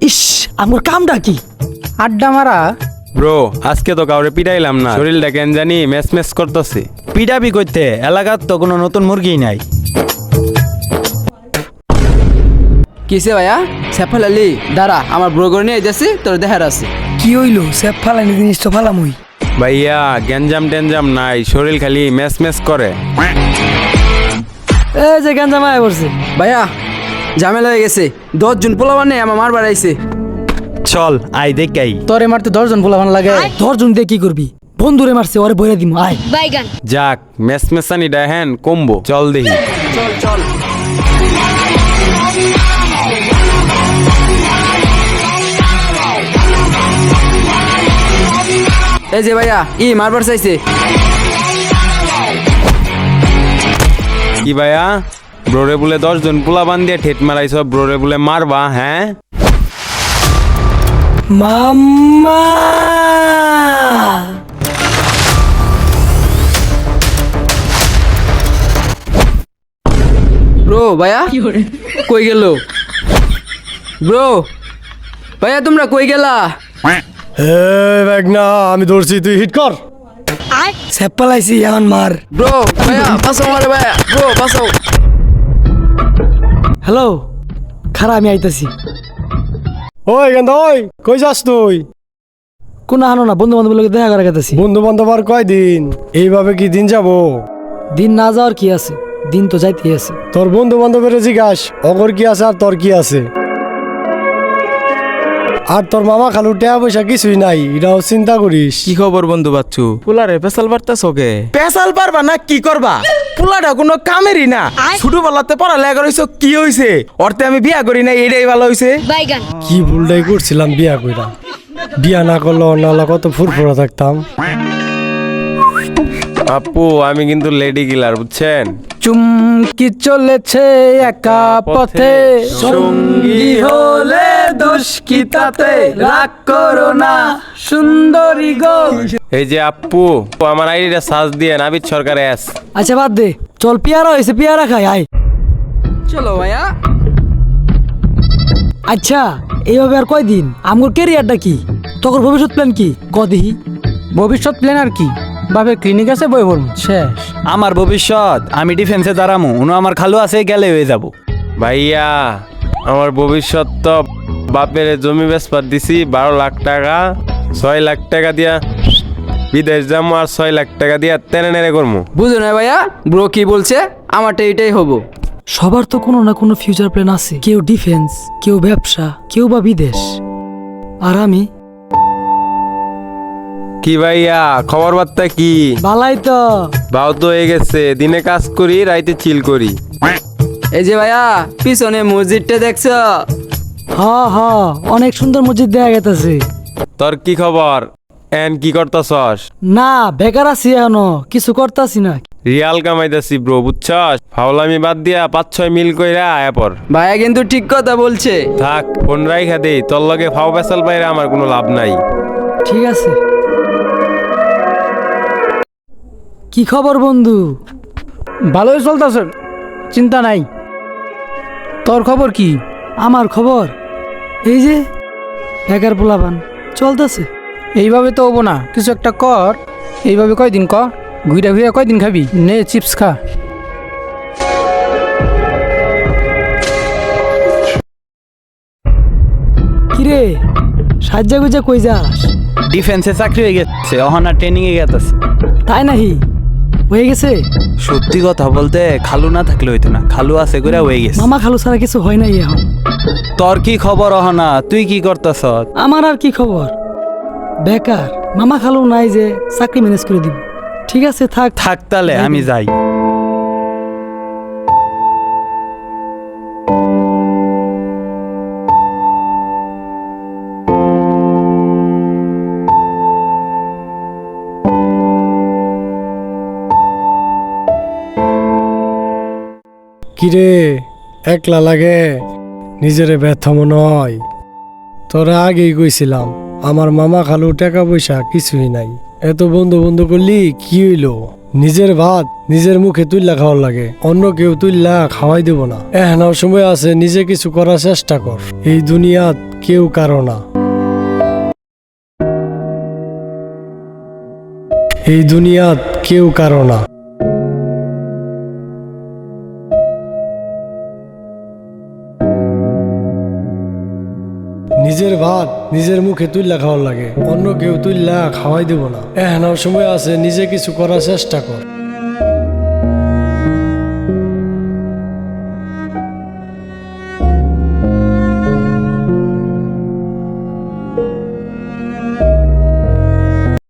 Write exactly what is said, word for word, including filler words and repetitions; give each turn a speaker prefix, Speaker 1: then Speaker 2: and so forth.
Speaker 1: ইস আমার কামটা কি?
Speaker 2: আড্ডা মারা।
Speaker 3: ব্রো আজকে তো কাউরে পিটাইলাম না, শরীরটা কেন জানি ম্যাচ ম্যাচ করতেছে।
Speaker 4: পিটাপি করতে এলাকার তো কোনো নতুন মুরগি নাই।
Speaker 5: কিসে ভাইয়া সেফাল আলী দাঁড়া, আমার ব্রোগর নিয়ে যাচ্ছি, তোর দেখার আছে।
Speaker 1: কি হইলো? সে ফালানি জিনিসটা ফালাম ওই।
Speaker 3: ভাইয়া গ্যাঞ্জাম ট্যাঞ্জাম নাই, শরীর খালি ম্যাচ ম্যাচ করে।
Speaker 1: এই যে গাঞ্জা মায় পড়ছে।
Speaker 5: ভাইয়া ঝামেলা হয়ে গেছে, দশ জন পোলাবার নেই আমার মার বাড়াইছে।
Speaker 4: চল আই দেখাই।
Speaker 2: তোরে মারতে দশজন পোলাবান লাগে।
Speaker 1: দশজন দিয়ে কি করবি? বন্ধুরে মারছে, ওরে বইরা দিমু। আয়
Speaker 6: বাইগান
Speaker 3: যাক ম্যাচ ম্যাচানি দেখেন কমবো, চল দেখি।
Speaker 5: চল চল এই যে ভাইয়া ই মারবার চাইছে।
Speaker 3: কি ভাইয়া ব্রোরে বলে দশ জন পোলা বান দিয়ে ঠেট মারাইছ, ব্রোরে বলে মারবা? হ্যাঁ
Speaker 1: মাম্মা।
Speaker 5: ব্রো ভাইয়া কই গেল? ব্রো ভাইয়া তোমরা কই গেলা?
Speaker 7: আমি ধরছি, তুই হিট কর।
Speaker 1: সে ফালাইছি এখন মার।
Speaker 5: ব্রো ভাইয়া বাঁচাও মারে ভাইয়া, ব্রো বাঁচাও।
Speaker 1: হ্যালো, খারা আমি আইতাছি।
Speaker 7: ওই গেন্দা, ওই কই যাস তুই?
Speaker 1: কোন হানো না, বন্ধু বান্ধবের লোক দেখা করে গেতাছি।
Speaker 7: বন্ধু বান্ধব আর কয়দিন? এইভাবে কি দিন যাব?
Speaker 1: দিন না যাওয়ার কি আছে, দিন তো যাইতেই আছে।
Speaker 7: তোর বন্ধু বান্ধবের জিজ্ঞাস অগর কি আছে আর তোর কি আছে। আর তোর মামা খালু টাকা পয়সা কিছুই নাই, এটাও চিন্তা করিস।
Speaker 8: কি খবর বন্ধু বাচ্চু? পুলারে পেশাল বার্তাস ওকে পেশাল পারবা না কি করবা? পুলাটা কোনো কামেরই না। ছোটবেলাতে পড়ালেখা করেছ, কি হইছে? অর্থে আমি বিয়া করি না, এটাই ভালো হইছে।
Speaker 6: বাইগান
Speaker 7: কি ভুলটাই করছিলাম বিয়া কইরা। বিয়া না করলে অন্যালা কত ফুরফুরা থাকতাম।
Speaker 3: আপু আমি কিন্তু লেডি কিলার, বুঝছেন?
Speaker 2: চুমকি চলেছে একা পথে, সঙ্গী হলে দোষ কি তাতে? রাগ করো না সুন্দরী গো।
Speaker 3: এই যে আপু আমার আইডিটা সার্চ দিয়ে নাবিদ সরকার এস।
Speaker 1: আচ্ছা বাদ দে, চল পিয়ারা হয়েছে, পিয়ারা খাই। আয়
Speaker 5: চলো ভাইয়া।
Speaker 1: আচ্ছা এইভাবে আর কয়দিন? আমার ক্যারিয়ারটা কি? তোর ভবিষ্যৎ প্ল্যান কি? কদিহি
Speaker 2: ভবিষ্যৎ প্ল্যান আর কি? বাবে ক্লিনিক আছে, বই পড়ব, শেষ।
Speaker 4: আমার ভবিষ্যৎ আমি ডিফেন্সে দাঁড়ামু, উনো আমার খালু আছে, গেলে হয়ে যাব।
Speaker 3: ভাইয়া আমার ভবিষ্যৎ তো বাপের জমি বেচপার দিছি বারো লাখ টাকা, ছয় লাখ টাকা দিয়া বিদেশ যাবো, আর ছয় লাখ টাকা দিয়া তেনে নেড়ে করবো।
Speaker 5: বুঝো না ভাইয়া, ব্রো কি বলছে? আমারটা এটাই হবো।
Speaker 1: সবার তো কোনো না কোনো ফিউচার প্ল্যান আছে। কেউ ডিফেন্স, কেউ ব্যবসা, কেউ বা বিদেশ। আর আমি
Speaker 3: কি ভাইয়া খবর বার্তা কি?
Speaker 1: বালাই তো।
Speaker 3: বাউ তো হয়ে গেছে, দিনে কাজ করি রাইতে চিল করি।
Speaker 5: এই যে ভাইয়া পিছনে মসজিদটা দেখছো?
Speaker 1: হ হ অনেক সুন্দর মসজিদ দেখা গেছে।
Speaker 3: তোর কি খবর? এন কি করতাছস?
Speaker 1: না বেকার আছি, এখনো কিছু করতাছি না।
Speaker 3: রিয়াল কামাইতাছি ব্রো, বুঝছস? ফাউলামি বাদ দিয়া পাঁচ ছয় মিল কইরা আয়া পর।
Speaker 5: ভাইয়া কিন্তু ঠিক কথা বলছে।
Speaker 3: থাক ফোন রাইখা দেই, তোর লগে ফাও পেশাল বাইরে আমার কোনো লাভ নাই।
Speaker 1: ঠিক আছে। কি খবর বন্ধু?
Speaker 2: ভালোই চলতেছে, চিন্তা নাই। তোর খবর কি?
Speaker 1: আমার খবর এই যে বেকার পোলাপান চলতেছে।
Speaker 2: এইভাবে তো হবো না, কিছু একটা কর। এইভাবে কয়দিন ক, ঘুরে ঘুরে কয়দিন খাবি? নে চিপস খা।
Speaker 1: কিরে সাজ্জা গুজা কই যাস?
Speaker 4: ডিফেন্সে চাকরি হয়ে গেছে, অহনা ট্রেনিং এ গেছে।
Speaker 1: তাই নাহি? হয়ে গেছে?
Speaker 4: সত্যি কথা বলতে খালু না থাকলে হইতো না, খালু আছে করে হয়ে গেছে।
Speaker 1: মামা খালু ছাড়া কিছু হয় নাই এখন।
Speaker 4: তোর কি খবর অহনা? তুই কি করতেছ?
Speaker 1: আমার আর কি খবর? বেকার। মামা খালু নাই যে চাকরি ম্যানেজ করে দিব। ঠিক আছে থাক
Speaker 4: থাক তাহলে আমি যাই।
Speaker 7: কিরে একলা লাগে, নিজেরে ব্যর্থ মনে হয়। তোরা আগেই কইছিলাম আমার মামা খালু টাকা পয়সা কিছুই নাই। এত বন্ধু বন্ধু করলি কি হইলো? নিজের ভাত নিজের মুখে তুললা খাওয়ার লাগে, অন্য কেউ তুললা খাওয়াই দেব না। এখনো সময় আছে, নিজে কিছু করার চেষ্টা কর। এই দুনিয়াত কেউ কারো না। এই দুনিয়াত কেউ কারো না। নিজের ভাত নিজের মুখে তুইলা খাওয়ার লাগে, অন্য কেউ তুইলা খাওয়াই দেব না। এহেনাও সময় আছে, নিজে কিছু করার চেষ্টা কর।